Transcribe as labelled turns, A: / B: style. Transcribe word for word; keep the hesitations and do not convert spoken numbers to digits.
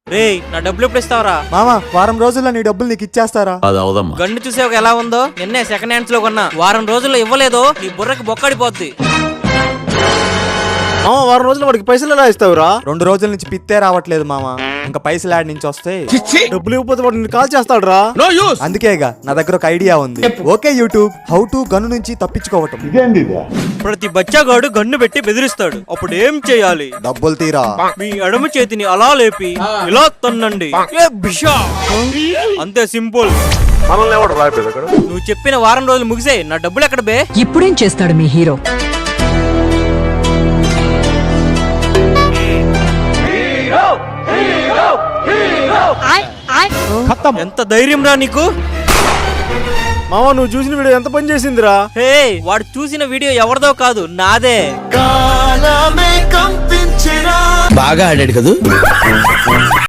A: రేయ్ నా డబ్బులు ఎప్పుడు ఇస్తావరా?
B: మామ వారం రోజుల్లో నీ డబ్బులు నీకు ఇచ్చేస్తారా?
C: అది అవదమ్మా.
A: గన్ను చూసావు ఎలా ఉందో? నిన్నే సెకండ్ హ్యాండ్స్ లో కొన్నా. వారం రోజుల్లో ఇవ్వలేదో నీ బుర్రకి బొక్కడిపోద్ది.
D: మామ వారం రోజులు వాడికి పైసలు ఎలా ఇస్తావురా?
B: రెండు రోజుల నుంచి పిత్తే రావట్లేదు మామ. ఇంకా పైసలు యాడ్ నుంచి వస్తే
D: డబ్బులు ఇవ్వకపోతే వాడు నిన్ను కాల్ చేస్తాడు రా.
B: అందుకేగా నా దగ్గర ఒక ఐడియా ఉంది. Okay YouTube, how to gun నుంచి తప్పించుకోవటం.
A: ప్రతి బచ్చాగాడు గన్ను పెట్టి బెదిరిస్తాడు. అప్పుడు ఏం చేయాలి?
B: డబ్బులు తీరా
A: మీ ఎడమ చేతిని అలా లేపి ఇలా తన్నండి. ఏ బిషా! అంతే సింపుల్. నువ్వు చెప్పిన వారం రోజులు ముగిసే నా డబ్బులు ఎక్కడ బే?
E: ఇప్పుడేం చేస్తాడు మీ హీరో?
A: ఎంత ధైర్యం రా నీకు?
D: మామ నువ్వు చూసిన వీడియో ఎంత పని చేసిందిరా?
A: హే, వాడు చూసిన వీడియో ఎవరిదో కాదు, నాదే.
C: బాగా ఆడాడు కదా.